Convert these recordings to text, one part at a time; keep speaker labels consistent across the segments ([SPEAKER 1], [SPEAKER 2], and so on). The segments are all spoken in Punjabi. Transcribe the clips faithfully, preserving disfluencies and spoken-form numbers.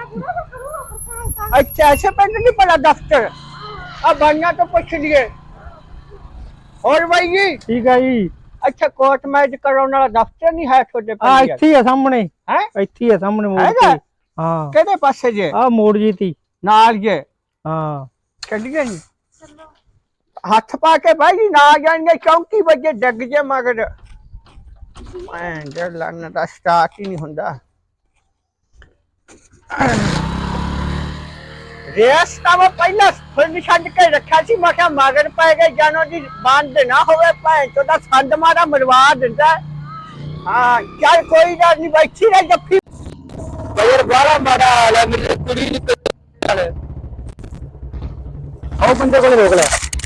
[SPEAKER 1] अच्छा ऐसे पिंड नहीं पड़ा दफ्तर। अब बनना तो पूछ लिए। और भाई जी
[SPEAKER 2] ठीक है जी।
[SPEAKER 1] अच्छा कोर्ट मैच कराने वाला दफ्तर नहीं है छोटे
[SPEAKER 2] आ ਇੱਥੇ ਹੀ ਆ ਸਾਹਮਣੇ।
[SPEAKER 1] है
[SPEAKER 2] ਇੱਥੇ ਹੀ ਆ ਸਾਹਮਣੇ ਮੋੜ
[SPEAKER 1] ਹੈਗਾ?
[SPEAKER 2] ਤੇ। ਹਾਂ
[SPEAKER 1] केड़े पासे जे
[SPEAKER 2] ਆ ਮੋੜ ਜੀ ਤੀ।
[SPEAKER 1] नाल जे
[SPEAKER 2] ਹਾਂ
[SPEAKER 1] चलिए जी हाथ पा के भाई ना जाएंगे चौंकी बजे डग जे मगर मैं डर लगना दा स्टार्ट ही नहीं हुंदा। रेस का वो पहला फुल छड़ के रखा सी मैं क्या मगर पै गए जानो जी बंद ना होवे भैन चोदा संद मारा मरवा दिंदा। हां चल कोई गल नहीं बैठी रह जफ्फी यार बड़ा बड़ा हाल है मेरी कुड़ी निकल
[SPEAKER 2] ਉਹ ਬੰਦੇ ਕੋਲ ਰੋਕ ਲੈ।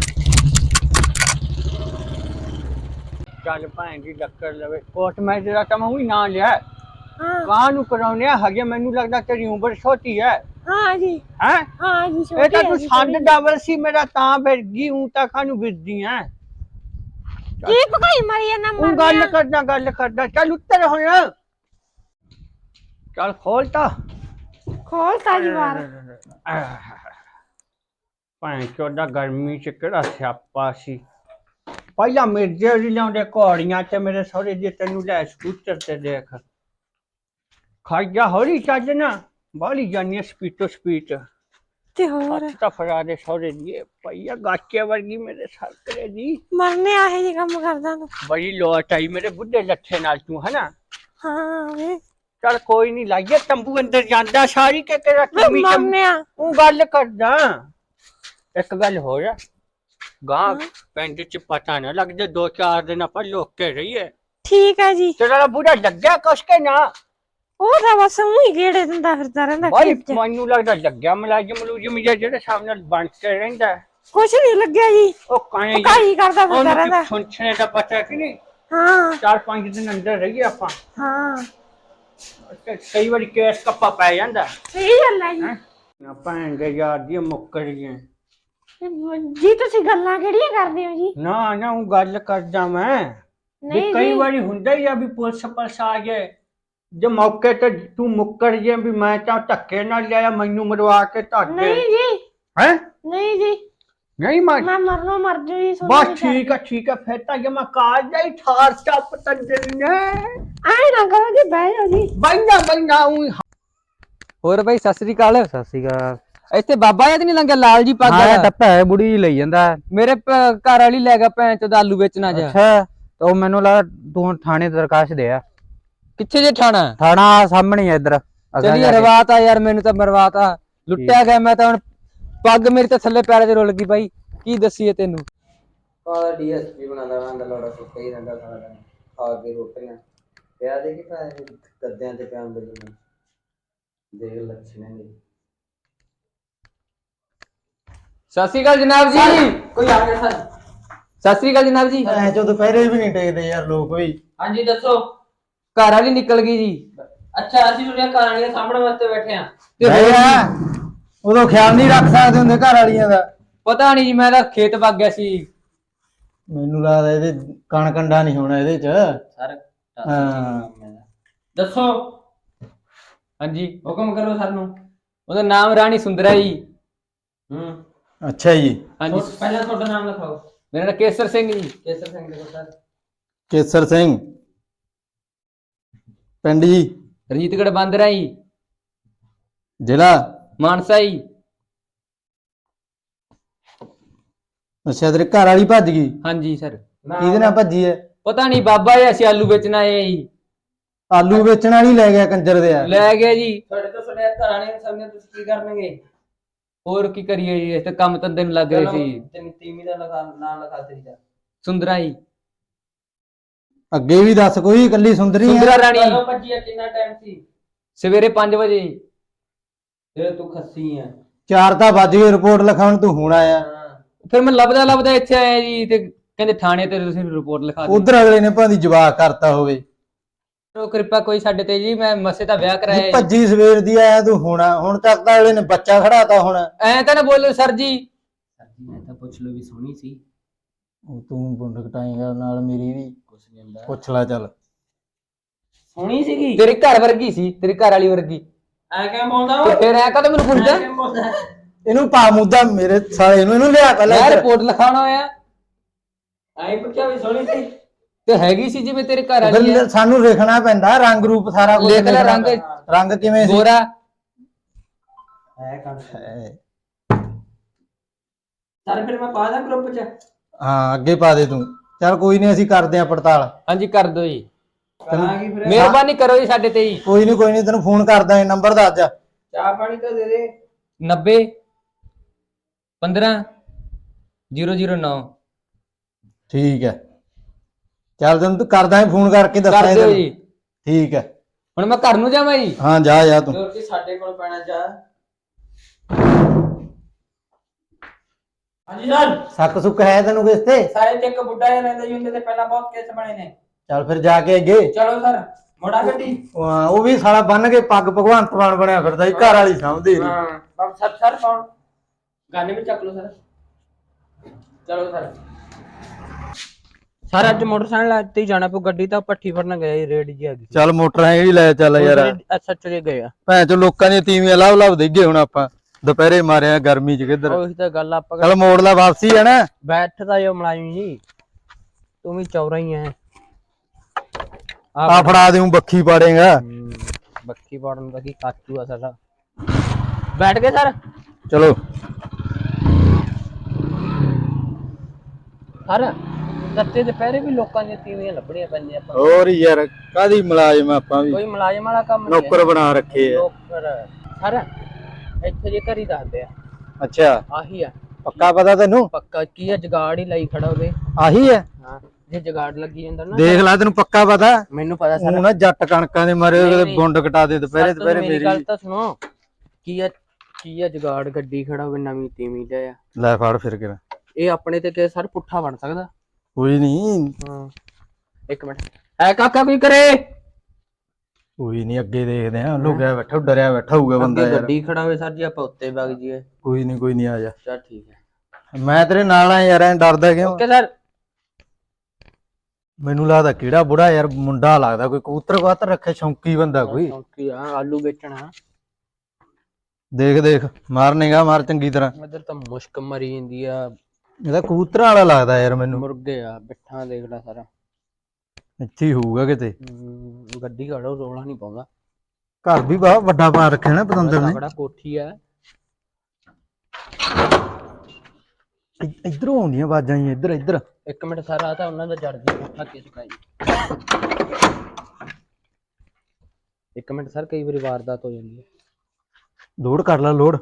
[SPEAKER 1] चल भैन जी टक्कर लवे कोर्ट मैच का तो मैं ही ना लिया
[SPEAKER 3] हाँ
[SPEAKER 1] कहाँ नु कराउने हजे मैनू लगदा तेरी उम्र छोटी है
[SPEAKER 3] हाँ जी
[SPEAKER 1] हैं
[SPEAKER 3] हाँ जी
[SPEAKER 1] ये
[SPEAKER 3] छोटी
[SPEAKER 1] तो
[SPEAKER 3] है
[SPEAKER 1] तू
[SPEAKER 3] जी
[SPEAKER 1] संद
[SPEAKER 3] थोड़ी।
[SPEAKER 1] डबल सी मेरा तां फिर गई हूं ता खानू बिजदी है
[SPEAKER 3] की पकाई मारी है ना
[SPEAKER 1] हूं
[SPEAKER 3] मर
[SPEAKER 1] गल
[SPEAKER 3] गया।
[SPEAKER 1] करदा गल करदा चल उत्तर हो चल खोल ता
[SPEAKER 3] खोल ताजी बार
[SPEAKER 1] भैन चोदा गर्मी च केड़ा स्यापा सी पहला मिर्जे जी लियाउंदे घोड़ियां ते मेरे सहुरे जी तेनू लै स्कूटर ते देख खाइया होरी चज ना बाली जानी स्पीटो स्पीट
[SPEAKER 3] ते और
[SPEAKER 1] हत्थ तां फड़ा दे सहुरे जी भैया गाचे वर्गी मेरे सरकरे दी
[SPEAKER 3] मरने आहे जी काम करदा तू।
[SPEAKER 1] बड़ी लोट आई मेरे बुढ़े लट्ठे नाल तू है ना
[SPEAKER 3] हाँ वे
[SPEAKER 1] चल कोई नहीं लाइए तंबू अंदर जांदा सारी के तेरा
[SPEAKER 3] वे
[SPEAKER 1] कमी
[SPEAKER 3] मरने आ
[SPEAKER 1] तू गल करदा एक गल हो जा गां
[SPEAKER 3] हाँ।
[SPEAKER 1] पिंड च पता ना लगदे दो चार दिन ਆਪਾਂ ਲੋਕੇ ਰਹੀਏ
[SPEAKER 3] ठीक है जी
[SPEAKER 1] ਤੇਰਾ ਬੁੜਾ ਲੱਗਿਆ ਕੁਛ ਕੇ ਨਾ
[SPEAKER 3] ਉਹ ਤਾਂ ਬਸ ਉਹੀ ਗੇੜੇ ਦਿੰਦਾ ਫਿਰਦਾ ਰਹਿੰਦਾ
[SPEAKER 1] ਬਾਈ
[SPEAKER 3] ਖੇਤ ਚ।
[SPEAKER 1] ਮੈਨੂੰ ਲੱਗਦਾ ਲੱਗਿਆ ਮਲਾਜਮ ਮਲੂਜਮ ਜਿਹਾ ਜਿਹੜੇ ਸਾਹਮਣੇ ਬਣ ਕੇ ਰਹਿੰਦਾ ਹੈ।
[SPEAKER 3] ਕੁਛ ਨਹੀਂ ਲੱਗਿਆ ਜੀ
[SPEAKER 1] ਉਹ ਕਾਣੇ
[SPEAKER 3] ਪਕਾਈ ਕਰਦਾ ਫਿਰਦਾ
[SPEAKER 1] ਉਹਨੂੰ
[SPEAKER 3] ਰਹਿੰਦਾ।
[SPEAKER 1] ਸੁਣਛਣੇ ਦਾ ਪਤਾ ਕਿ ਨਹੀਂ
[SPEAKER 3] ਹਾਂ
[SPEAKER 1] ਚਾਰ ਪੰਜ ਦਿਨ ਅੰਦਰ ਰਹੀਏ ਆਪਾਂ
[SPEAKER 3] ਹਾਂ
[SPEAKER 1] ਤੇ ਕਈ ਵਾਰੀ ਕੇਸ ਕੱਪਾ ਪੈ ਜਾਂਦਾ
[SPEAKER 3] ਸਹੀ ਗੱਲ ਹੈ ਜੀ
[SPEAKER 1] ਹੈ ਆਪਾਂ ਦੇ ਯਾਰ ਦੀ ਮੁੱਕਰ ਗਏ
[SPEAKER 3] ਜੀ ਤੁਸੀਂ ਗੱਲਾਂ ਕਿਹੜੀਆਂ ਕਰਦੇ ਹੋ ਜੀ।
[SPEAKER 1] ਨਾ ਨਾ ਉਹ ਗੱਲ ਕਰਦਾ ਮੈਂ ਵੀ
[SPEAKER 3] ਨਹੀਂ
[SPEAKER 1] ਕਈ
[SPEAKER 3] ਜੀ
[SPEAKER 1] ਵਾਰੀ ਹੁੰਦਾ ਹੀ ਆ ਵੀ ਪੁਲਿਸ ਪਲਸ ਆ ਜਾਏ ਜੇ ਮੌਕੇ ਤੇ ਤੂੰ ਮੁੱਕਰ ਜੇ ਵੀ ਮੈਂ ਤਾਂ ਧੱਕੇ ਨਾਲ ਲਿਆ ਮੈਨੂੰ ਮਰਵਾ ਕੇ ਧੱਕ ਦੇ
[SPEAKER 3] ਨਹੀਂ ਜੀ
[SPEAKER 1] ਹੈ
[SPEAKER 3] ਨਹੀਂ ਜੀ
[SPEAKER 1] ਨਹੀਂ ਮੈਂ
[SPEAKER 3] ਮੈਂ ਮਰਨੋਂ ਮਰ ਜੂ ਜੀ
[SPEAKER 1] ਬਸ ਠੀਕ ਹੈ ਠੀਕ ਹੈ ਫਿਰ ਤਾਂ ਜੇ ਮੈਂ ਕਾਜ ਜਾਈ ਠਾਰ ਚੱਪ ਤੰਦਰ ਨੇ
[SPEAKER 3] ਆਏ ਨਾ ਕਰੋ ਜੀ ਬਹਿ ਜਾਓ ਜੀ।
[SPEAKER 1] ਬੰਦਾ ਬੰਦਾ ਉਹ
[SPEAKER 4] ਹੋਰ ਬਾਈ ਸਤਿ ਸ੍ਰੀ ਅਕਾਲ।
[SPEAKER 2] ਸਤਿ ਸ਼੍ਰੀ ਅਕਾਲ।
[SPEAKER 4] ਇੱਥੇ ਬਾਬਾ ਜੀ ਤੇ ਨਹੀਂ ਲੰਘਿਆ ਲਾਲ ਜੀ ਪੱਗ
[SPEAKER 2] ਹਾਂ
[SPEAKER 4] ਵਾਲਾ?
[SPEAKER 2] ਟੱਪਾ ਹੈ ਬੁੜੀ ਜੀ ਲਈ ਜਾਂਦਾ।
[SPEAKER 4] ਮੇਰੇ ਪ- ਘਰ ਵਾਲੀ ਲੈ ਗਿਆ ਭੈਣ ਚੋਦ ਆਲੂ ਵੇਚਣਾ ਜਾ।
[SPEAKER 2] ਅੱਛਾ ਤਾਂ ਉਹ ਮੈਨੂੰ ਲੱਗਾ ਤੂੰ ਥਾਣੇ ਦਰਖਾਸਤ ਦੇ ਆ।
[SPEAKER 4] ਕਿੱਥੇ ਜੇ ਠਾਣਾ?
[SPEAKER 2] ਥਾਣਾ ਸਾਹਮਣੇ ਆ ਇੱਧਰ।
[SPEAKER 4] ਚਲੀ ਰਵਾਤਾ ਯਾਰ ਮੈਨੂੰ ਤਾਂ ਮਰਵਾਤਾ ਲੁੱਟਿਆ ਗਿਆ ਮੈਂ ਤਾਂ ਹੁਣ ਪੱਗ ਮੇਰੀ ਤਾਂ ਥੱਲੇ ਪੈਰਾਂ 'ਚ ਰੁਲ ਗਈ ਬਾਈ ਕੀ ਦੱਸੀਏ ਤੈਨੂੰ।
[SPEAKER 5] ਕਾਲਾ ਡੀਐਸਪੀ ਬਣਾਦਾ ਰਹਿੰਦਾ ਲੋੜਾ ਸੁੱਕਾ ਹੀ ਰਹਿੰਦਾ ਸਾਰਾ ਦਿਨ ਖਾ ਕੇ ਰੋਟੀਆਂ ਪਿਆ ਦੇ ਕਿ ਪੈਸੇ ਗੱਦਿਆਂ ਤੇ ਪਿਆ ਬਿੱਲ ਦੇਖ ਲੱਛਣੇ ਨੇ।
[SPEAKER 4] ਸਤਿ ਸ੍ਰੀ ਅਕਾਲ ਜਨਾਬ ਜੀ।
[SPEAKER 5] ਕੋਈ ਆ ਗਿਆ ਸਰ।
[SPEAKER 4] ਸਤਿ ਸ੍ਰੀ ਅਕਾਲ ਜਨਾਬ ਜੀ।
[SPEAKER 2] ਐ ਜੋ ਦੁਪਹਿਰੇ ਵੀ ਨਹੀਂ ਟੇਕਦੇ ਯਾਰ ਲੋਕ ਵੀ।
[SPEAKER 5] ਹਾਂਜੀ ਦੱਸੋ।
[SPEAKER 4] ਘਰ ਵਾਲੀ ਨਿਕਲ ਗਈ ਜੀ।
[SPEAKER 5] ਅੱਛਾ ਅਸੀਂ ਤੁਹਾਡੀਆਂ ਕਹਾਣੀ ਦੇ ਸਾਹਮਣੇ ਵਾਸਤੇ ਬੈਠੇ ਆ।
[SPEAKER 4] ਤੇ ਹੋਰ
[SPEAKER 2] ਉਦੋਂ ਖਿਆਲ ਨਹੀਂ ਰੱਖ ਸਕਦੇ ਹੁੰਦੇ ਘਰ ਵਾਲੀਆਂ ਦਾ।
[SPEAKER 4] ਪਤਾ ਨਹੀਂ ਜੀ ਮੈਂ ਤਾਂ ਖੇਤ ਵਗ ਗਿਆ ਸੀ।
[SPEAKER 2] ਮੈਨੂੰ ਲੱਗਦਾ ਇਹਦੇ ਕਣ ਕੰਡਾ ਨਹੀਂ ਹੋਣਾ ਇਹਦੇ ਚ।
[SPEAKER 5] ਸਰ
[SPEAKER 2] ਹਾਂ
[SPEAKER 5] ਦੱਸੋ
[SPEAKER 4] ਹਾਂਜੀ
[SPEAKER 5] ਹੁਕਮ ਕਰੋ ਸਾਨੂੰ।
[SPEAKER 4] ਉਹਦਾ ਨਾਮ ਰਾਣੀ ਸੁੰਦਰਾ ਜੀ।
[SPEAKER 5] ਹੂੰ
[SPEAKER 2] ਅੱਛਾ ਜੀ।
[SPEAKER 4] ਹਾਂਜੀ
[SPEAKER 5] ਪਹਿਲਾਂ ਤੁਹਾਡਾ ਨਾਮ ਲਿਖਾਓ।
[SPEAKER 4] ਮੇਰਾ ਨਾਮ ਕੇਸਰ ਸਿੰਘ ਜੀ।
[SPEAKER 5] ਕੇਸਰ ਸਿੰਘ ਲਿਖੋ ਸਰ।
[SPEAKER 2] ਕੇਸਰ ਸਿੰਘ ਪਿੰਡ ਜੀ
[SPEAKER 4] ਰਣਜੀਤਗੜ੍ਹ ਬਾਂਦਰਾ ਜੀ
[SPEAKER 2] ਜ਼ਿਲ੍ਹਾ
[SPEAKER 4] ਮਾਨਸਾ ਜੀ।
[SPEAKER 2] ਅੱਛਾ ਤੇਰੇ ਘਰ ਵਾਲੀ ਭੱਜ ਗਈ।
[SPEAKER 4] ਹਾਂਜੀ ਸਰ।
[SPEAKER 2] ਕਿਹਦੇ ਨਾਲ ਭੱਜੀ ਐ?
[SPEAKER 4] ਪਤਾ ਨਹੀਂ ਬਾਬਾ ਜੀ ਅਸੀਂ ਆਲੂ ਵੇਚਣ ਆਏ ਆ ਜੀ।
[SPEAKER 2] ਆਲੂ ਵੇਚਣ ਵਾਲੀ ਲੈ ਗਿਆ ਕੰਜਰ ਦੇ ਆ।
[SPEAKER 4] ਲੈ ਗਿਆ ਜੀ।
[SPEAKER 5] ਤੁਹਾਡੇ ਤੋਂ ਤੁਹਾਡੇ ਘਰਾਣੇ ਦੇ ਸਾਹਮਣੇ ਤੁਸੀਂ ਕੀ ਕਰਨਗੇ?
[SPEAKER 4] ਹੋਰ ਕੀ ਕਰੀਏ ਜੀ ਇਸ ਤੇ ਕੰਮ ਧੰਦੇ ਨੂੰ ਲੱਗ ਰਹੇ ਸੀ।
[SPEAKER 5] ਤੈਨੂੰ ਤੀਵੀਂ ਦਾ ਲਿਖਾ ਨਾਮ ਲਿਖਾ ਤੇਰੀ ਦਾ।
[SPEAKER 4] ਸੁੰਦਰਾ ਜੀ।
[SPEAKER 2] ਅੱਗੇ ਵੀ ਦੱਸ ਕੋਈ ਇਕੱਲੀ ਸੁੰਦਰੀ
[SPEAKER 4] ਸੁੰਦਰਾ
[SPEAKER 2] ਆ?
[SPEAKER 4] ਰਾਣੀ
[SPEAKER 5] ਕਦੋਂ ਭੱਜੀ ਆ ਕਿੰਨਾ ਟਾਈਮ ਸੀ?
[SPEAKER 4] ਸਵੇਰੇ ਪੰਜ ਵਜੇ।
[SPEAKER 5] ਫਿਰ ਤੂੰ ਖੱਸੀ ਆ।
[SPEAKER 2] ਚਾਰ ਤਾਂ ਵੱਜ ਗਏ ਰਿਪੋਰਟ ਲਿਖਾਉਣ ਤੂੰ ਹੁਣ ਆਇਆ।
[SPEAKER 5] ਹਾਂ
[SPEAKER 4] ਫਿਰ ਮੈਂ ਲੱਭਦਾ ਲੱਭਦਾ ਇੱਥੇ ਆਇਆ ਜੀ ਤੇ ਕਹਿੰਦੇ ਥਾਣੇ ਤੇ ਤੁਸੀਂ ਰਿਪੋਰਟ ਲਿਖਾ ਦਿਓ।
[SPEAKER 2] ਉਧਰ ਅਗਲੇ ਨੇ ਭਾਂਦੀ ਜਵਾਬ ਕਰਤਾ ਹੋਵੇ।
[SPEAKER 4] ਉਹ ਕਿਰਪਾ ਕੋਈ ਸਾਡੇ ਤੇ ਜੀ ਮੈਂ ਮਸੇ ਤਾਂ ਵਿਆਹ ਕਰਾਇਆ ਜੀ।
[SPEAKER 2] ਭੱਜੀ ਸਵੇਰ ਦੀ ਆਇਆ ਤੂੰ ਹੁਣ ਹੁਣ ਤੱਕ ਤਾਂ ਅਗਲੇ ਨੇ ਬੱਚਾ ਖੜਾਤਾ ਹੁਣ।
[SPEAKER 4] ਐ ਤਾਂ ਨਾ ਬੋਲੋ ਸਰ ਜੀ।
[SPEAKER 5] ਸਰ ਜੀ ਮੈਂ ਤਾਂ ਪੁੱਛ ਲਓ ਵੀ ਸੋਹਣੀ ਸੀ।
[SPEAKER 2] ਉਹ ਤੂੰ ਬੁੰਡ ਕਟਾਏਗਾ ਨਾਲ ਮੇਰੀ ਵੀ
[SPEAKER 5] ਕੁਛ ਨਹੀਂ ਹੁੰਦਾ।
[SPEAKER 2] ਪੁੱਛ ਲੈ ਚੱਲ।
[SPEAKER 5] ਸੋਹਣੀ ਸੀਗੀ।
[SPEAKER 4] ਤੇਰੇ ਘਰ ਵਰਗੀ ਸੀ ਤੇਰੀ ਘਰ ਵਾਲੀ ਵਰਗੀ।
[SPEAKER 5] ਐ ਕਿਵੇਂ ਬੋਲਦਾ
[SPEAKER 4] ਤੇ
[SPEAKER 5] ਓਏ
[SPEAKER 4] ਫਿਰ ਐ ਕਦੋਂ ਮੈਨੂੰ ਪੁੱਛਦਾ
[SPEAKER 5] ਕਿਵੇਂ ਬੋਲਦਾ
[SPEAKER 2] ਇਹਨੂੰ ਪਾ ਮੁੱਦਾ ਮੇਰੇ ਸਾਲੇ ਨੂੰ, ਇਹਨੂੰ ਲਿਆ ਪਹਿਲਾਂ
[SPEAKER 4] ਮੈਂ
[SPEAKER 2] ਇੱਧਰ।
[SPEAKER 4] ਰਿਪੋਰਟ ਲਿਖਾਉਣਾ ਹੋਇਆ
[SPEAKER 5] ਐ ਪੁੱਛਿਆ ਵੀ ਸੋਹਣੀ ਸੀ
[SPEAKER 4] ਤੇ ਹੈਗੀ ਸੀ ਜਿਵੇਂ ਤੇਰੇ ਘਰ ਵਾਲੀ ਹੈ
[SPEAKER 2] ਫਿਰ ਸਾਨੂੰ ਲਿਖਣਾ ਪੈਂਦਾ ਰੰਗ ਰੂਪ ਸਾਰਾ ਕੁਝ
[SPEAKER 4] ਲਿਖ ਲੈ
[SPEAKER 2] ਲਿਖਣਾ
[SPEAKER 4] ਰੰਗ।
[SPEAKER 2] ਪੈਂਦਾ। ਰੰਗ ਕਿਵੇਂ ਸੀ?
[SPEAKER 4] ਗੋਰਾ
[SPEAKER 5] ਐ ਕਰ
[SPEAKER 2] ਹੈ।
[SPEAKER 5] ਚੱਲ ਫਿਰ ਮੈਂ ਪਾ ਦਾਂ ਗਰੁੱਪ ਚ
[SPEAKER 2] ਹਾਂ ਅੱਗੇ ਪਾ ਦੇ ਤੂੰ। ਚੱਲ ਕੋਈ ਨਹੀਂ, ਅਸੀਂ ਕਰਦੇ ਆ ਪੜਤਾਲ।
[SPEAKER 4] ਹਾਂਜੀ ਕਰ ਦਿਓ ਜੀ,
[SPEAKER 5] ਕਰਾਂਗੀ ਫਿਰ
[SPEAKER 4] ਮਿਹਰਬਾਨੀ ਕਰੋ ਜੀ ਸਾਡੇ ਤੇ ਜੀ।
[SPEAKER 2] ਕੋਈ ਨਹੀਂ ਕੋਈ ਨਹੀਂ, ਤੈਨੂੰ ਫੋਨ ਕਰਦਾ, ਇਹ ਨੰਬਰ ਦੱਸ ਜਾ।
[SPEAKER 5] ਚਾਹ ਪਾਣੀ ਤਾਂ ਦੇ ਦੇ
[SPEAKER 4] ਨੱਬੇ ਪੰਦਰਾਂ ਜ਼ੀਰੋ ਜ਼ੀਰੋ ਨੌ।
[SPEAKER 2] ਠੀਕ ਹੈ, ਚੱਲ ਤੈਨੂੰ ਤੂੰ ਕਰਦਾ ਫੋਨ ਕਰਕੇ ਦੱਸਾਂ
[SPEAKER 4] ਕਰ ਦਿਓ
[SPEAKER 2] ਤੈਨੂੰ।
[SPEAKER 4] ਜੀ।
[SPEAKER 2] ਠੀਕ ਹੈ,
[SPEAKER 4] ਹੁਣ ਮੈਂ ਘਰ ਨੂੰ ਜਾਵਾਂ ਜੀ?
[SPEAKER 2] ਹਾਂ ਜਾ ਜਾ ਤੂੰ।
[SPEAKER 5] ਹੋਰ ਕੀ ਸਾਡੇ ਕੋਲ ਪੈਣਾ ਜਾ ਹਾਂਜੀ ਸਰ
[SPEAKER 2] ਸੱਕ ਸੁੱਕ ਹੈ ਤੈਨੂੰ ਕਿਸ ਤੇ?
[SPEAKER 5] ਸਾਰੇ ਤੇ ਇੱਕ ਬੁੱਢਾ ਜਿਹਾ ਰਹਿੰਦਾ ਜੀ, ਉਹਦੇ ਤੇ ਪਹਿਲਾਂ ਬਹੁਤ ਕੇਸ ਬਣੇ ਨੇ।
[SPEAKER 2] ਚੱਲ ਫਿਰ ਜਾ ਕੇ ਅੱਗੇ।
[SPEAKER 5] ਚਲੋ ਸਰ ਮੋੜਾ ਗੱਡੀ।
[SPEAKER 2] ਹਾਂ, ਉਹ ਵੀ ਸਾਲਾ ਬੰਨ ਕੇ ਪੱਗ ਭਗਵੰਤ ਮਾਨ ਬਣਿਆ ਫਿਰਦਾ ਸੀ, ਘਰ ਵਾਲੀ ਸਮਝਦੀ ਨਹੀਂ।
[SPEAKER 5] ਹਾਂ ਬਾਬ ਸਰ ਸਰ ਕੌਣ ਗਾਣੇ ਵੀ ਚੱਕ ਲਓ ਸਰ। ਚਲੋ ਸਰ ਸਰ ਅੱਜ ਮੋਟਰਸਾਈਕਲ ਤੇ ਹੀ ਜਾਣਾ ਪਊ, ਗੱਡੀ ਤਾਂ ਪੱਠੀ ਫੜਨ ਗਏ ਰੇਡ ਜੀ ਆ ਗਈ।
[SPEAKER 2] ਚੱਲ ਮੋਟਰ ਹੈ ਜਿਹੜੀ ਲੈ ਚੱਲ ਯਾਰ।
[SPEAKER 5] ਅੱਛਾ ਚਲੇ ਗਏ ਆ
[SPEAKER 2] ਭੈਣ ਚੋ ਲੋਕਾਂ ਦੀਆਂ ਤੀਵੀਆਂ ਲਾਭ ਲਾਭ ਦੇਗੇ ਹੁਣ ਆਪਾਂ ਦੁਪਹਿਰੇ ਮਾਰਿਆ ਗਰਮੀ ਚ ਕਿੱਧਰ।
[SPEAKER 5] ਉਹੀ ਤਾਂ ਗੱਲ ਆਪਾਂ
[SPEAKER 2] ਚੱਲ ਮੋੜ ਲਾ, ਵਾਪਸੀ ਹੈ ਨਾ।
[SPEAKER 5] ਬੈਠਦਾ ਜੋ ਮਲਾਜ਼ਮ ਜੀ, ਤੂੰ ਵੀ ਚੌਰਾ ਹੀ ਹੈ।
[SPEAKER 2] ਆ ਫੜਾ ਦੇਉ, ਬੱਖੀ ਪਾੜੇਗਾ।
[SPEAKER 5] ਬੱਕੀ ਪਾੜਨ ਦਾ ਕੀ ਕਾਚੂ ਆ ਸਾਡਾ। ਬੈਠ ਗਏ ਸਰ?
[SPEAKER 2] ਚਲੋ
[SPEAKER 5] ਸਰ ਦੱਤੇ ਦੁਪਹਿਰੇ ਵੀ ਲੋਕਾਂ ਦੀਆਂ ਤੀਵੀਆਂ ਲੱਭਣੀਆਂ ਪੈਂਦੀਆਂ ਆਪਾਂ।
[SPEAKER 2] ਹੋਰ ਯਾਰ ਕਾਦੀ ਮੁਲਾਜ਼ਮ ਆਪਾਂ ਵੀ,
[SPEAKER 5] ਕੋਈ ਮੁਲਾਜ਼ਮ ਵਾਲਾ ਕੰਮ ਨਹੀਂ
[SPEAKER 2] ਨੌਕਰ ਬਣਾ ਰੱਖੇ ਆ।
[SPEAKER 5] ਨੌਕਰ ਸਰ ਇੱਥੇ ਜੇ ਘਰੀ ਦੱਸਦੇ ਆ।
[SPEAKER 2] ਅੱਛਾ
[SPEAKER 5] ਆਹੀ ਆ
[SPEAKER 2] ਪੱਕਾ ਪਤਾ ਤੈਨੂੰ?
[SPEAKER 5] ਪੱਕਾ ਕੀ ਆ, ਜਗਾੜ ਹੀ ਲਈ ਖੜਾ ਉਹਦੇ।
[SPEAKER 2] ਆਹੀ ਹੈ,
[SPEAKER 5] ਹਾਂ ਜੇ ਜਗਾੜ ਲੱਗੀ ਜਾਂਦਾ ਨਾ।
[SPEAKER 2] ਦੇਖ ਲੈ ਤੈਨੂੰ ਪੱਕਾ ਪਤਾ।
[SPEAKER 5] ਮੈਨੂੰ ਪਤਾ ਸਰ।
[SPEAKER 2] ਉਹ ਨਾ ਜੱਟ ਕਣਕਾਂ ਦੇ ਮਾਰੇ
[SPEAKER 5] ਨਹੀਂ,
[SPEAKER 2] ਉਹਦੇ
[SPEAKER 5] ਨਹੀਂ।
[SPEAKER 2] ਗੁੰਡ ਕਟਾ ਦੇ ਦੁਪਹਿਰੇ
[SPEAKER 5] ਸਰ,
[SPEAKER 2] ਦੁਪਹਿਰੇ
[SPEAKER 5] ਮੇਰੀ
[SPEAKER 2] ਮੇਰੀ।
[SPEAKER 5] ਗੱਲ ਤਾਂ ਸੁਣੋ। ਕੀ ਆ ਕੀ ਆ ਜਗਾੜ ਗੱਡੀ ਖੜਾ ਹੋਵੇ ਨਵੀਂ ਤੀਵੀਂ ਦਾ ਆ।
[SPEAKER 2] ਲੈ ਫੜ ਫਿਰ ਕੇ।
[SPEAKER 5] ਇਹ ਆਪਣੇ ਤੇ ਕਿ ਸਰ ਪੁੱਠਾ ਬਣ ਸਕਦਾ?
[SPEAKER 2] ਕੋਈ ਨਹੀਂ
[SPEAKER 5] ਹਾਂ ਇੱਕ ਮਿੰਟ ਹੈ ਕਾਕਾ ਕੋਈ ਕਰੇ।
[SPEAKER 2] ਕੋਈ ਨਹੀਂ, ਅੱਗੇ ਦੇਖਦੇ ਆ। ਲੁਕਿਆ ਬੈਠਾ ਡਰਿਆ ਬੈਠਾ ਹੋਊਗਾ ਬੰਦਾ
[SPEAKER 5] ਅੱਗੇ
[SPEAKER 2] ਯਾਰ।
[SPEAKER 5] ਗੱਡੀ ਖੜਾ ਹੋਵੇ ਸਰ ਜੀ, ਆਪਾਂ ਉੱਤੇ ਵਗ ਜੀਏ।
[SPEAKER 2] ਕੋਈ ਨਹੀਂ ਕੋਈ ਨਹੀਂ, ਆ ਜਾ।
[SPEAKER 5] ਚਲ ਠੀਕ ਹੈ।
[SPEAKER 2] ਮੈਂ ਤੇਰੇ ਨਾਲ ਆ ਯਾਰ, ਐਂ ਡਰਦਾ ਕਿਉਂ?
[SPEAKER 5] Okay sir.
[SPEAKER 2] ਮੈਨੂੰ ਲੱਗਦਾ ਕਿਹੜਾ ਬੁੜਾ ਯਾਰ, ਮੁੰਡਾ ਲੱਗਦਾ ਕੋਈ, ਕਬੂਤਰ ਕਬੂਤਰ ਰੱਖੇ ਸ਼ੌਂਕੀ ਬੰਦਾ ਕੋਈ।
[SPEAKER 5] ਕੀ ਆ ਆਲੂ ਵੇਚਣਾ।
[SPEAKER 2] ਦੇਖ ਦੇਖ ਮਾਰ ਨਿਗਾ ਮਾਰ ਚੰਗੀ ਤਰ੍ਹਾਂ।
[SPEAKER 5] ਇਧਰ ਤਾਂ ਮੁਸ਼ਕ ਮਰੀ ਜਾਂਦੀ ਆ।
[SPEAKER 2] ਇਹਦਾ ਕਬੂਤਰਾਂ ਵਾਲਾ ਲੱਗਦਾ ਯਾਰ ਮੈਨੂੰ।
[SPEAKER 5] ਮੁਰਗੇ ਆ ਬਿੱਠਾ ਦੇਖ ਲੈ ਸਾਰਾ।
[SPEAKER 2] ਇੱਥੇ ਹੀ ਹੋਊਗਾ ਕਿਤੇ।
[SPEAKER 5] ਹਮ, ਗੱਡੀ ਖੜੋ ਰੋਲਾ ਨਹੀਂ ਪਾਉਂਦਾ।
[SPEAKER 2] ਘਰ ਵੀ ਬਹੁਤ ਵੱਡਾ ਪਾ ਰੱਖਿਆ ਨਾ ਪਤੰਦਰ ਨੇ।
[SPEAKER 5] ਬੜਾ ਕੋਠੀ ਆ।
[SPEAKER 2] ਇ- ਇੱਧਰੋਂ ਆਉਂਦੀਆਂ ਆਵਾਜ਼ਾਂ ਹੀ, ਇੱਧਰ ਇੱਧਰ।
[SPEAKER 5] ਇੱਕ ਮਿੰਟ ਸਰ, ਆ ਤਾਂ ਉਹਨਾਂ ਦਾ ਜੜ ਜੀ ਕੋਠਾ ਕਿਸ ਕਾ ਜੀ। ਇੱਕ ਮਿੰਟ ਸਰ, ਕਈ ਵਾਰੀ ਵਾਰਦਾਤ ਹੋ ਜਾਂਦੀ ਹੈ।
[SPEAKER 2] ਲੋਡ ਕਰ ਲੈ ਲੋਡ।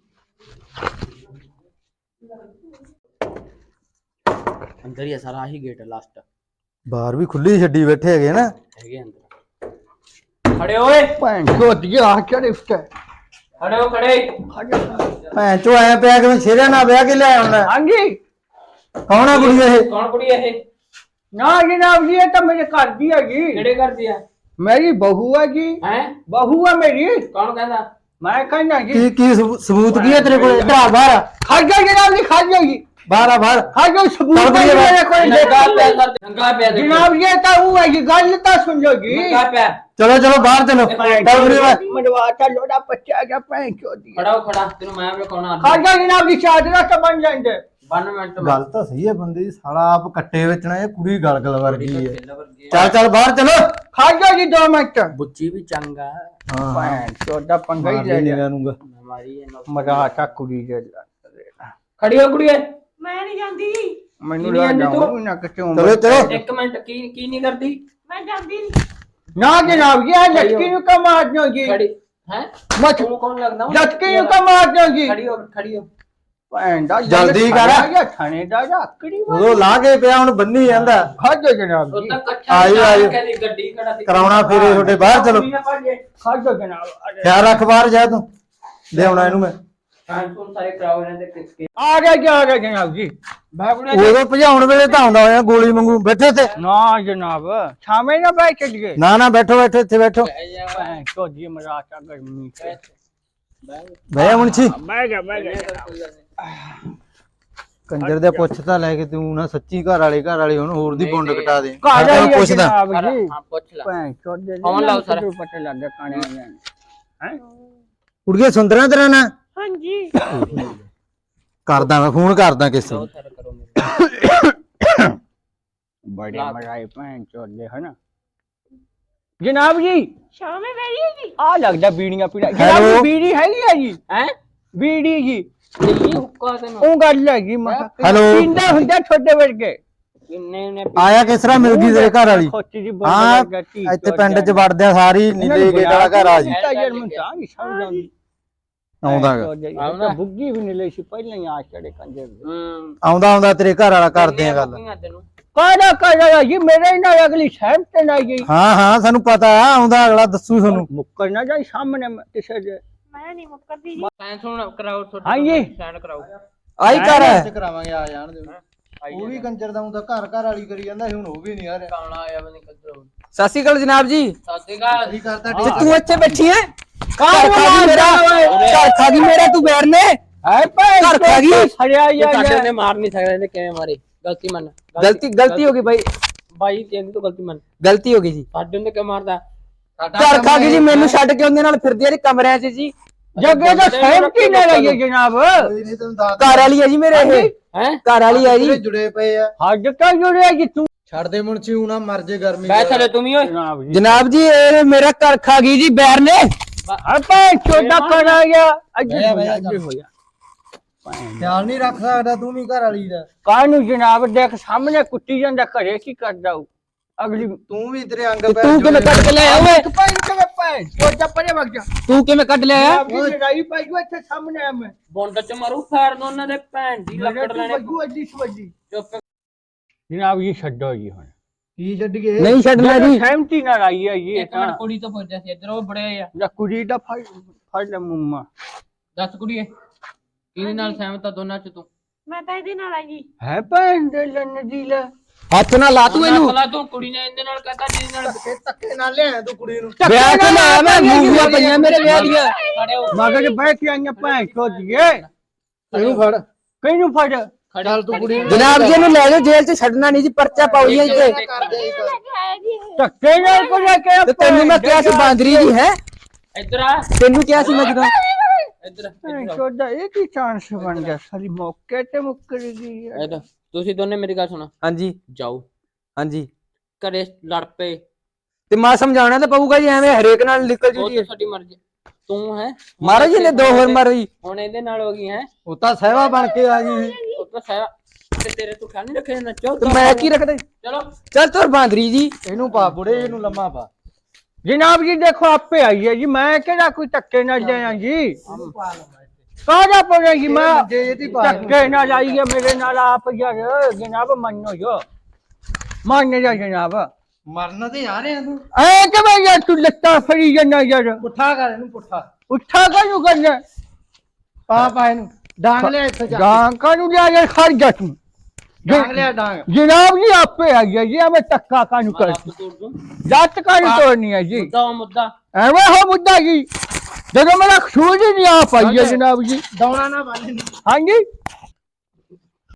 [SPEAKER 5] ਅੰਦਰ ਹੀ ਆ ਸਾਰਾ, ਆਹੀ ਗੇਟ ਹੈ ਲਾਸਟ।
[SPEAKER 2] ਬਾਹਰ ਵੀ ਖੁੱਲੀ ਛੱਡੀ ਬੈਠੇ ਹੈਗੇ ਨਾ।
[SPEAKER 5] ਹੈਗੇ ਅੰਦਰ। ਖੜੇ ਓਏ
[SPEAKER 1] ਭੈਣ ਚੋਦੀ ਆ ਚੜੇ ਉੱਤੇ।
[SPEAKER 5] ਖੜੇ ਹੋ ਖੜੇ।
[SPEAKER 2] ਭੈਣ ਚੋ ਐ ਪਿਆ ਕਿ ਮੈਂ ਸ਼ੇਰਿਆ ਨਾਲ ਵਿਆਹ ਕੇ ਲਿਆ ਹੁੰਦਾ।
[SPEAKER 1] ਹਾਂਜੀ
[SPEAKER 2] ਕੌਣ ਆ ਕੁੜੀ ਇਹ?
[SPEAKER 5] ਕੌਣ ਕੁੜੀ ਹੈ ਇਹ?
[SPEAKER 1] ਨਾ ਜਨਾਬ ਜੀ, ਇਹ ਤਾਂ ਮੇਰੇ ਘਰ ਦੀ ਹੈ ਜੀ।
[SPEAKER 5] ਕਿਹੜੇ ਕਰਦੀ ਆ?
[SPEAKER 1] ਮੇਰੀ ਬਹੂ ਹੈ ਜੀ।
[SPEAKER 5] ਹੈ
[SPEAKER 1] ਬਹੂ ਹੈ ਮੇਰੀ।
[SPEAKER 5] ਕੌਣ ਕਹਿੰਦਾ?
[SPEAKER 1] ਮੈਂ ਕਹਿੰਦਾ ਜੀ
[SPEAKER 2] ਕੀ ਕੀ ਸਬੂ- ਸਬੂਤ ਕੀ ਹੈ ਤੇਰੇ ਕੋਲ? ਇੱਧਰ ਆ ਬਾਹਰ ਆ।
[SPEAKER 1] ਖਾ ਜਾ ਜਨਾਬ ਜੀ, ਖਾ ਜਾ ਜੀ,
[SPEAKER 2] ਬਾਹਰ ਆ ਬਾਹਰ।
[SPEAKER 1] ਖਾ ਜਾ। ਸਬੂਤ
[SPEAKER 2] ਚੱਲ
[SPEAKER 1] ਹੈ
[SPEAKER 2] ਕੁੜੀਏ
[SPEAKER 1] ਮੇਰੇ ਕੋਲ।
[SPEAKER 5] ਨੰਗਾ ਪਿਆ ਸਰ, ਨੰਗਾ ਪਿਆ ਦੇਖੋ।
[SPEAKER 1] ਜਨਾਬ ਜੀ ਇਹ ਤਾਂ ਉਹ ਹੈ ਜੀ, ਗੱਲ ਤਾਂ ਸੁਣ ਲਓ ਜੀ।
[SPEAKER 5] ਨੰਗਾ ਪਿਆ।
[SPEAKER 2] ਚਲੋ ਚਲੋ ਬਾਹਰ ਚਲੋ। ਚੱਲ ਕੁੜੀ ਵਾ।
[SPEAKER 1] ਮਰਵਾ ਤਾ ਲੋੜਾ ਬੱਚਾ ਗਿਆ ਭੈਣ ਚੋਦੀ।
[SPEAKER 5] ਖੜਾ ਹੋ ਖੜਾ, ਤੈਨੂੰ ਮੈਂ ਵਿਖਾਉਣਾ।
[SPEAKER 1] ਖਾ ਜਾ ਜਨਾਬ ਜੀ, ਚਾਦਰਾ ਤਾਂ ਬਣ ਜਾਂਦੇ।
[SPEAKER 5] ਬਾਨਵੇਂ ਮਿੰਟ
[SPEAKER 2] ਗੱਲ ਤਾਂ ਸਹੀ ਹੈ ਬੰਦੇ ਦੀ, ਸਾਲਾ ਆਪ ਕੱਟੇ ਵੇਚਣਾ, ਇਹ ਕੁੜੀ ਗਲਗਲ ਵਰਗੀ ਹੈ।
[SPEAKER 5] ਵਰਗੀ
[SPEAKER 2] ਚੱਲ ਚੱਲ ਬਾਹਰ ਚਲੋ।
[SPEAKER 1] ਖਾ ਜਾ ਜੀ ਦੋ ਮਿੰਟ।
[SPEAKER 5] ਬੁੱਚੀ ਵੀ ਚੰਗਾ।
[SPEAKER 2] ਹਾਂ
[SPEAKER 1] ਭੈਣ ਚੋਦਾ ਪੰਗਾ ਹੀ ਲੈ ਲਿਆ।
[SPEAKER 2] ਨੂੰ
[SPEAKER 5] ਮਾਰੀ ਇਹ
[SPEAKER 1] ਮਰਵਾ ਤਾ ਕੁੜੀ ਦੇ।
[SPEAKER 5] ਖੜੀ ਹੋ ਕੁੜੀਏ।
[SPEAKER 3] ਮੈਂ ਨਹੀਂ ਜਾਂਦੀ,
[SPEAKER 1] ਮੈਨੂੰ
[SPEAKER 5] ਨਹੀਂ ਆਂਦੀ
[SPEAKER 1] ਲੱਗ
[SPEAKER 5] ਤੂੰ?
[SPEAKER 1] ਜਾਊ ਨਾ ਕਿਤੇ
[SPEAKER 2] ਚਲੋ ਚਲੋ।
[SPEAKER 5] ਇੱਕ ਮਿੰਟ, ਕੀ ਕੀ ਨਹੀਂ ਕਰਦੀ?
[SPEAKER 3] ਮੈਂ ਜਾਂਦੀ ਨਹੀਂ।
[SPEAKER 1] ਨਾ ਜਨਾਬ ਜੀ, ਇਹ ਲਟਕੀ ਨੂੰ ਕਾ ਮਾਰ ਦਿਓ ਜੀ।
[SPEAKER 5] ਖੜੀ ਹੈ?
[SPEAKER 1] ਮਤ
[SPEAKER 5] ਤੂੰ ਕੌਣ ਲੱਗਦਾ?
[SPEAKER 1] ਲਟਕੀ ਨੂੰ ਕਾ ਮਾਰ ਦਿਓ ਜੀ।
[SPEAKER 5] ਖੜੀ ਹੋ ਖੜੀ ਹੋ।
[SPEAKER 1] ਭੈਣ ਦਾ
[SPEAKER 2] ਜਲਦੀ ਕਰ।
[SPEAKER 1] ਥਾਣੇ ਦਾ ਆਕੜੀ
[SPEAKER 2] ਉਦੋਂ ਲਾ ਕੇ ਪਿਆ ਹੁਣ ਬੰਨੀ ਜਾਂਦਾ।
[SPEAKER 1] ਖਾ ਜਾ ਜਨਾਬ
[SPEAKER 5] ਉਹ
[SPEAKER 1] ਜੀ,
[SPEAKER 5] ਤਾਂ ਇਕੱਠਾ
[SPEAKER 2] ਆਈ, ਆਈ।
[SPEAKER 5] ਕਹਿੰਦੀ ਗੱਡੀ ਖੜਾ ਸੀ।
[SPEAKER 2] ਕਰਾਉਣਾ ਫੇਰੇ ਤੁਹਾਡੇ ਬਾਹਰ ਚਲੋ।
[SPEAKER 1] ਖਾ ਜਾ ਜਨਾਬ।
[SPEAKER 2] ਖਿਆਲ ਰੱਖ ਬਾਹਰ ਜਾ ਤੂੰ। ਲਿਆਉਣਾ ਇਹਨੂੰ ਮੈਂ।
[SPEAKER 5] ਹਾਂ ਤੂੰ ਸਾਰੇ ਕਰਾਓ ਇਹਨਾਂ ਦੇ ਕਿਸਕੇ।
[SPEAKER 1] ਆ ਗਿਆ ਜੀ, ਆ ਗਿਆ ਜਨਾਬ ਜੀ। ਬਾਬੂਨੇ
[SPEAKER 2] ਉਦੋਂ ਭਜਾਉਣ ਵੇਲੇ ਤਾਂ ਆਉਂਦਾ ਹੋਇਆ ਗੋਲੀ ਵਾਂਗੂ। ਬੈਠੇ ਤੇ
[SPEAKER 1] ਨਾ ਜਨਾਬ, ਛਾਵੇਂ ਨਾ ਬੈਠ ਚਲੀਏ।
[SPEAKER 2] ਨਾ ਨਾ ਬੈਠੋ ਬੈਠੋ ਇੱਥੇ ਬੈਠੋ।
[SPEAKER 1] ਭੈਣ ਚੋਦੀ ਮਰਾਤਾ ਗਰਮੀ ਚ।
[SPEAKER 2] ਬਹਿ ਮੁੰਚੀ।
[SPEAKER 1] ਬਹਿ ਗਿਆ ਬਹਿ ਗਿਆ।
[SPEAKER 2] ਕੰਜਰ ਦੇ ਪੁੱਛ ਤਾਂ ਲੈ ਕੇ ਤੂੰ ਨਾ ਸੱਚੀ ਘਰ ਵਾਲੇ ਘਰ ਵਾਲੇ ਹੁਣ ਹੋਰ ਦੀ ਪੁੰਡ ਕਟਾ ਦੇ।
[SPEAKER 1] ਘਰ
[SPEAKER 2] ਮੈਂ
[SPEAKER 1] ਵਾਲੀ
[SPEAKER 2] ਪੁੱਛਦਾ।
[SPEAKER 1] ਜਨਾਬ ਜੀ।
[SPEAKER 5] ਹਾਂ ਪੁੱਛ ਲੈ।
[SPEAKER 1] ਭੈਣ ਚੋਦੇ
[SPEAKER 5] ਫੋਨ ਲਾਓ ਸਰ।
[SPEAKER 1] ਪਤਾ ਲੱਗ ਗਿਆ ਕਾਣੇ ਹੈ।
[SPEAKER 2] ਕੁੜੀਏ ਸੁੰਦਰਾਂ ਤੇਰਾ ਨਾ
[SPEAKER 3] ਹਾਂਜੀ
[SPEAKER 2] ਕਰਦਾ ਮੈਂ ਫੋਨ ਕਰਦਾ ਕਿਸੇ ਨੂੰ
[SPEAKER 5] ਸਰ ਕਰੋ ਮੇਰੇ
[SPEAKER 1] ਬੜੇ
[SPEAKER 5] ਲਾਤ।
[SPEAKER 1] ਮਰਾਏ ਭੈਣ ਚੋਦੇ ਹਨ ਜਨਾਬ ਜੀ
[SPEAKER 3] ਸ਼ਾਮੇ ਮੇਰੀ ਜੀ
[SPEAKER 1] ਆ ਲੱਗਦਾ ਬੀੜੀਆਂ ਪੀਣਾ ਜਨਾਬ
[SPEAKER 2] Hello?
[SPEAKER 1] ਜੀ ਬੀੜੀ ਹੈਗੀ ਆ ਜੀ
[SPEAKER 5] ਹੈ
[SPEAKER 1] ਬੀੜੀ ਜੀ
[SPEAKER 5] ਲਈ ਹੁੱਕਾ ਤੈਨੂੰ
[SPEAKER 1] ਉਹ ਗੱਲ ਹੈਗੀ ਮੈਂ ਕਿਹਾ
[SPEAKER 2] Hello?
[SPEAKER 1] ਪੀਂਦਾ ਹੁੰਦਾ ਛੋਟੇ ਵਰਗੇ
[SPEAKER 5] ਕਿੰਨੇ ਨੇ
[SPEAKER 2] ਆਇਆ ਕਿਸ ਤਰ੍ਹਾਂ ਮਿਲ ਗਈ ਤੇਰੇ ਘਰ ਵਾਲੀ
[SPEAKER 1] ਖੋਤੀ ਜੀ ਬੋਲ
[SPEAKER 2] ਹਾਂ ਇੱਥੇ ਪਿੰਡ ਚ ਵੜਦਿਆ ਸਾਰੀ ਨੀਲੇ ਗੇਟ ਵਾਲਾ ਘਰ ਆ ਜੀ
[SPEAKER 1] ਯਾਰ ਮੈਂ ਤਾਂ ਨਹੀਂ ਸਮਝ ਆਉਂਦੀ
[SPEAKER 2] ਆਉਂਦਾ ਗਾ।
[SPEAKER 1] ਆਉਂਦਾ ਬੁੱਗੀ ਵੀ ਨਹੀਂ ਲਈ ਸੀ ਪਹਿਲਾਂ ਹੀ ਆ ਚੜੇ ਕੰਜਰ ਦੇ
[SPEAKER 5] ਹੂੰ
[SPEAKER 2] ਆਉਂਦਾ ਆਉਂਦਾ ਤੇਰੇ ਘਰ ਵਾਲਾ ਕਰਦੇ ਆ ਗੱਲ
[SPEAKER 5] ਬੁੱਕੀਆਂ ਤੈਨੂੰ
[SPEAKER 1] ਕਾਹਦਾ ਕਾਹਦਾ ਜੀ ਮੇਰੇ ਨਾਲ ਅਗਲੀ ਸਹਿਮ ਤੇ ਨਾ ਗਈ
[SPEAKER 2] ਹਾਂ ਹਾਂ ਸਾਨੂੰ ਪਤਾ ਆ ਆਉਂਦਾ ਅਗਲਾ ਦੱਸੂ ਤੁਹਾਨੂੰ
[SPEAKER 1] ਮੁੱਕਰ ਨਾ ਜਾਈ ਸਾਹਮਣੇ ਮੈਂ ਕਿਸੇ ਦੇ
[SPEAKER 3] ਮੈਂ ਨਹੀਂ ਮੁੱਕਰਦੀ ਜੀ
[SPEAKER 5] ਸਾਇੰਸ ਹੁਣ ਕਰਾਓ ਤੁਹਾਡੇ
[SPEAKER 1] ਹਾਂਜੀ।
[SPEAKER 5] ਸਾਈਨ ਕਰਾਓ
[SPEAKER 4] ਆਈ ਘਰ ਹੈ
[SPEAKER 2] ਕਰਾਵਾਂਗੇ ਆ ਜਾਣ ਦੇ ਉਹ ਵੀ ਕੰਜਰ ਦਾ ਹੁੰਦਾ ਘਰ ਘਰ ਵਾਲੀ ਕਰੀ ਜਾਂਦਾ ਹੁਣ ਉਹ ਵੀ ਨਹੀਂ ਆ ਰਿਹਾ
[SPEAKER 5] ਕਾਣਾ ਆਇਆ ਬਣੀ ਕੱਦਰੋ
[SPEAKER 4] ਸਤਿ ਸ਼੍ਰੀ ਅਕਾਲ ਜਨਾਬ ਜੀ
[SPEAKER 5] ਸਾਦੇਗਾ
[SPEAKER 2] ਕੀ ਕਰਦਾ
[SPEAKER 4] ਤੇ ਤੂੰ ਇੱਥੇ ਬੈਠੀ ਹੈ
[SPEAKER 1] ਕਾਹਨੂੰ
[SPEAKER 4] ਘਰ ਖਾ ਗਈ ਮੇਰਾ ਘਰ ਖਾ ਗਈ ਮੇਰਾ ਤੂੰ ਬੈਰ ਨੇ
[SPEAKER 1] ਹੈ ਭਾਈ
[SPEAKER 4] ਘਰ ਖਾ ਗਈ।
[SPEAKER 1] ਹਰਿਆ
[SPEAKER 5] ਸਾਡੇ
[SPEAKER 1] ਯਾਰ
[SPEAKER 5] ਨੇ ਮਾਰ ਨਹੀਂ ਸਕਦੇ ਇਹਨੇ ਕਿਵੇਂ ਮਾਰੇ ਗਲਤੀ ਮੰਨ
[SPEAKER 4] ਗਲਤੀ ਗਲਤੀ ਹੋ ਗਈ ਬਾਈ
[SPEAKER 5] ਬਾਈ ਤੇਰੀ ਤੋਂ ਗਲਤੀ ਮੰਨ
[SPEAKER 4] ਗਲਤੀ ਹੋ ਗਈ ਜੀ
[SPEAKER 5] ਸਾਡੇ ਨੂੰ ਕਿਉਂ ਮਾਰਦਾ
[SPEAKER 4] ਘਰ ਖਾ ਗਈ ਜੀ ਮੈਨੂੰ ਛੱਡ ਕੇ ਉਹਦੇ ਨਾਲ ਫਿਰਦੀ ਆ ਜੀ ਕਮਰਿਆਂ 'ਚ ਜੀ
[SPEAKER 1] ਜੱਗੇ ਦਾ ਸਹਿਮ ਕੀ ਨਾ ਲਈਏ ਜਨਾਬ
[SPEAKER 2] ਨਹੀਂ ਤੈਨੂੰ ਦੱਸ
[SPEAKER 4] ਘਰ ਵਾਲੀ ਹੈ ਜੀ ਮੇਰੇ ਇਹ
[SPEAKER 5] ਹੈ
[SPEAKER 4] ਘਰ ਵਾਲੀ ਹੈ ਜੀ
[SPEAKER 2] ਜੁੜੇ ਪਏ ਆ
[SPEAKER 1] ਹੱਜ ਤਾਂ ਜੁੜਿਆ ਜੀ ਤੂੰ
[SPEAKER 2] ਛੱਡ ਦੇ ਮੁੰਚੀ ਹੁਣਾ ਮਰ ਜੇ ਗਰਮੀ
[SPEAKER 5] ਬੈ ਥਲੇ ਤੂੰ ਵੀ ਓਏ
[SPEAKER 1] ਜਨਾਬ ਜੀ
[SPEAKER 4] ਜਨਾਬ ਜੀ ਇਹ ਮੇਰਾ ਘਰ ਖਾ ਗਈ ਜੀ ਬੈਰ ਨੇ
[SPEAKER 1] ਹਾਂ ਭਾਈ ਛੋਟਾ ਕਰ ਗਿਆ ਅੱਜ
[SPEAKER 2] ਬਹਿ ਜਾ, ਬਹਿ ਜਾ,
[SPEAKER 1] ਅੱਜ ਹੋਇਆ
[SPEAKER 2] ਖਿਆਲ ਨਹੀਂ ਰੱਖ ਸਕਦਾ ਤੂੰ ਵੀ ਘਰ ਵਾਲੀ ਦਾ
[SPEAKER 1] ਕਾਹਨੂੰ ਜਨਾਬ ਦੇਖ ਸਾਹਮਣੇ ਕੁੱਟੀ ਜਾਂਦਾ ਘਰੇ ਕੀ ਕਰਦਾ ਉਹ ਅਗਲੀ
[SPEAKER 2] ਤੂੰ ਵੀ ਤੇਰੇ ਅੰਗ
[SPEAKER 4] ਤੇ ਤੂੰ ਕਿਵੇਂ ਕੱਢ ਕੇ ਲਿਆਇਆ ਓਏ
[SPEAKER 1] ਭਾਈ ਕਿਵੇਂ ਭਾਈ ਛੋਟਾ ਪਰੇ ਵਗ ਜਾ
[SPEAKER 4] ਤੂੰ ਕਿਵੇਂ ਕੱਢ ਲਿਆਇਆ
[SPEAKER 1] ਆਪਣੀ ਲੜਾਈ ਪਾਈ ਜੋ ਇੱਥੇ ਸਾਹਮਣੇ ਆ ਮੈਂ
[SPEAKER 5] ਬੋਂਡ ਚ ਮਾਰੂ ਫੈਰ ਦੋ ਉਹਨਾਂ ਦੇ ਭੈਣ ਦੀ ਲੱਕੜ ਲੈਣੇ
[SPEAKER 1] ਵੱਜੂ ਅੱਡੀ ਸਵੱਜੀ
[SPEAKER 5] ਚੁੱਪ
[SPEAKER 1] ਜਨਾਬ ਜੀ ਛੱਡੋ ਜੀ ਹੁਣ
[SPEAKER 2] ਕੀ ਛੱਡ ਗਏ
[SPEAKER 4] ਨਹੀਂ ਛੱਡਣਾ ਜੀ
[SPEAKER 1] ਸਹਿਮਤੀ ਨਾਲ ਆਈ ਹੈ ਜੀ
[SPEAKER 5] ਇੱਕ ਮਿੰਟ ਕੁੜੀ ਤੋਂ ਪੁੱਛਦਾ ਸੀ ਇੱਧਰ ਉਹ ਬੜੇ ਆ
[SPEAKER 1] ਜਾਂ ਕੁੜੀ ਦਾ ਫੜ ਫੜ ਲੈ ਮੁੰਮਾ
[SPEAKER 5] ਦੱਸ ਕੁੜੀਏ ਕਿਹਦੇ ਨਾਲ ਸਹਿਮਤ ਆ ਦੋਨਾਂ ਚ ਤੂੰ
[SPEAKER 3] ਮੈਂ ਤਾਂ ਇਹਦੇ ਨਾਲ ਆ ਜੀ
[SPEAKER 1] ਹੈ ਭੈਣ ਦੇ ਲੰਨ ਦੀ ਲੈ
[SPEAKER 4] ਹੱਥ ਨਾਲ ਲਾ ਤੂੰ ਇਹਨੂੰ
[SPEAKER 5] ਅਕਲਾ ਤੂੰ ਕੁੜੀ ਨੇ ਇਹਦੇ ਨਾਲ ਕਹਤਾ ਜਿਹਦੇ ਨਾਲ
[SPEAKER 2] ਧੱਕੇ ਨਾਲ ਲਿਆ ਤੂੰ ਕੁੜੀ ਨੂੰ
[SPEAKER 4] ਵਿਆਹ ਕੇ ਲਾਇਆ ਮੈਂ ਮੂਵੀਆਂ ਪਈਆਂ ਮੇਰੇ ਵਿਆਹ ਦੀਆਂ
[SPEAKER 5] ਖੜੇ ਹੋ
[SPEAKER 1] ਮਗਰ ਬਹਿ ਕੇ ਆਈਆਂ ਭੈਣ ਚੋਦੀਏ
[SPEAKER 2] ਇਹਨੂੰ ਫੜ
[SPEAKER 1] ਕਿਹਨੂੰ ਫੜ
[SPEAKER 2] ਚੱਲ ਤੂੰ ਕੁੜੀ ਨੂੰ
[SPEAKER 4] ਜਨਾਬ ਜੀ ਇਹਨੂੰ ਲੈ ਜਾਓ ਜੇਲ੍ਹ 'ਚ ਛੱਡਣਾ ਨਹੀਂ ਜੀ ਪਰਚਾ ਪਾਓ ਜੀ ਇੱਥੇ
[SPEAKER 3] ਲੈ ਕੇ ਆਇਆ ਜੀ ਇਹ।
[SPEAKER 1] ਧੱਕੇ ਨਾਲ ਕੋ ਲੈ ਕੇ
[SPEAKER 4] ਤੇ ਤੈਨੂੰ ਮੈਂ ਕਿਹਾ ਸੀ ਬਾਂਦਰੀ ਜੀ ਹੈ
[SPEAKER 5] ਇੱਧਰ ਆ
[SPEAKER 4] ਤੈਨੂੰ ਕਿਹਾ ਸੀ ਮੈਂ ਜਦੋਂ
[SPEAKER 5] ਇੱਧਰ
[SPEAKER 1] ਭੈਣ ਚੋਦਾ ਇਹ ਕੀ ਚਾਂਸ ਬਣ ਗਿਆ ਸਾਰੀ ਮੌਕੇ ਤੇ ਮੁੱਕਰ ਗਈ ਹੈ।
[SPEAKER 5] ਇੱਧਰ ਤੁਸੀਂ ਦੋਨੇ ਮੇਰੀ ਗੱਲ ਸੁਣੋ
[SPEAKER 4] ਹਾਂਜੀ
[SPEAKER 5] ਜਾਓ
[SPEAKER 4] ਹਾਂਜੀ
[SPEAKER 5] ਘਰੇ ਲੜ ਪਏ
[SPEAKER 4] ਤੇ ਮਾਂ ਸਮਝਾਉਣਾ ਤਾਂ ਪਊਗਾ ਜੀ ਐਵੇਂ ਹਰੇਕ ਨਾਲ ਨਿਕਲ ਜੂ
[SPEAKER 5] ਉਹ
[SPEAKER 4] ਜੀ
[SPEAKER 5] ਤਾਂ ਸਾਡੀ ਮਰਜ਼ੀ ਤੂੰ ਹੈ
[SPEAKER 4] ਮਾਰੋ ਜੀ ਨੇ ਦੋ ਹੋਰ ਮਾਰੋ ਜੀ
[SPEAKER 5] ਹੁਣ ਇਹਦੇ ਨਾਲ ਹੋ ਗਈ ਹੈ
[SPEAKER 2] ਉਹ ਤਾਂ ਸਹਿਵਾ ਬਣ ਕੇ ਆ ਗਈ
[SPEAKER 5] ਉਹ ਤਾਂ ਸਾਰਾ ਤੇ ਤੇਰੇ ਤੋਂ ਖਿਆਲ ਨਹੀਂ ਰੱਖਿਆ ਨੱਚੋ
[SPEAKER 4] ਤੇ ਮੈਂ ਕੀ ਰੱਖਦਾ ਜੀ?
[SPEAKER 5] ਚਲੋ
[SPEAKER 4] ਚੱਲ ਤੋਰ ਬਾਂਦਰੀ ਜੀ
[SPEAKER 2] ਇਹਨੂੰ ਪਾ ਬੁੜੇ ਇਹਨੂੰ ਲੰਮਾ ਪਾ
[SPEAKER 1] ਜਨਾਬ ਜੀ ਦੇਖੋ ਆਪੇ ਆਈ ਹੈ ਜੀ ਮੈਂ ਕਿਹੜਾ ਕੋਈ ਧੱਕੇ ਨਾਲ ਜਾਇਆ ਜੀ ਕਾਹਦਾ ਪੜਿਆ ਜੀ ਮੈਂ
[SPEAKER 2] ਜੇ ਇਹਦੀ ਪਾ
[SPEAKER 1] ਧੱਕੇ ਨਾਲ ਆਈ ਹੈ ਮੇਰੇ ਨਾਲ ਆਪ ਯਾਰ ਜਨਾਬ ਮੰਨੋ ਜੋ ਮੰਨ ਜਾ ਜਨਾਬ
[SPEAKER 2] ਮਰਨ ਤੇ ਆ ਰਿਹਾ ਤੂੰ
[SPEAKER 1] ਐ ਕਿਵੇਂ ਯਾਰ ਤੂੰ ਲੱਤਾਂ ਫੜੀ ਜਾਂਦਾ ਯਾਰ
[SPEAKER 2] ਪੁੱਠਾ ਕਰ ਇਹਨੂੰ ਪੁੱਠਾ
[SPEAKER 1] ਉੱਠਾ ਕਾਹਨੂੰ ਕਰਨਾ
[SPEAKER 2] ਪਾ ਪਾ ਇਹਨੂੰ ਡਾਂਗ ਲਿਆ ਇੱਥੇ ਜਾ
[SPEAKER 1] ਗਾਂ ਕਾਹਨੂੰ ਲਿਆ ਯਾਰ ਖੜ ਜਾ ਤੂੰ
[SPEAKER 2] ਡਾਂਗ ਲਿਆ ਡਾਂਗ
[SPEAKER 1] ਜਨਾਬ ਜੀ ਆਪੇ ਆਈ ਹੈ ਜੀ ਐਵੇਂ ਧੱਕਾ ਕਾਹਨੂੰ ਕਰ
[SPEAKER 5] ਆਪ ਤੋੜ ਦੂੰ
[SPEAKER 1] ਜੱਟ ਕਾਹਨੂੰ ਤੋੜਨੀ ਹੈ ਜੀ
[SPEAKER 5] ਮੁੱਦਾ ਉਹ ਮੁੱਦਾ
[SPEAKER 1] ਐਵੇਂ ਹੋ ਮੁੱਦਾ ਜੀ ਜਦੋਂ ਮੇਰਾ ਖੂਨ ਹੀ ਨਹੀਂ ਆ ਪਾਈ ਹੈ ਜਨਾਬ ਜੀ
[SPEAKER 2] ਦੌਣਾ ਨਾ ਬੰਨ
[SPEAKER 1] ਹਾਂਜੀ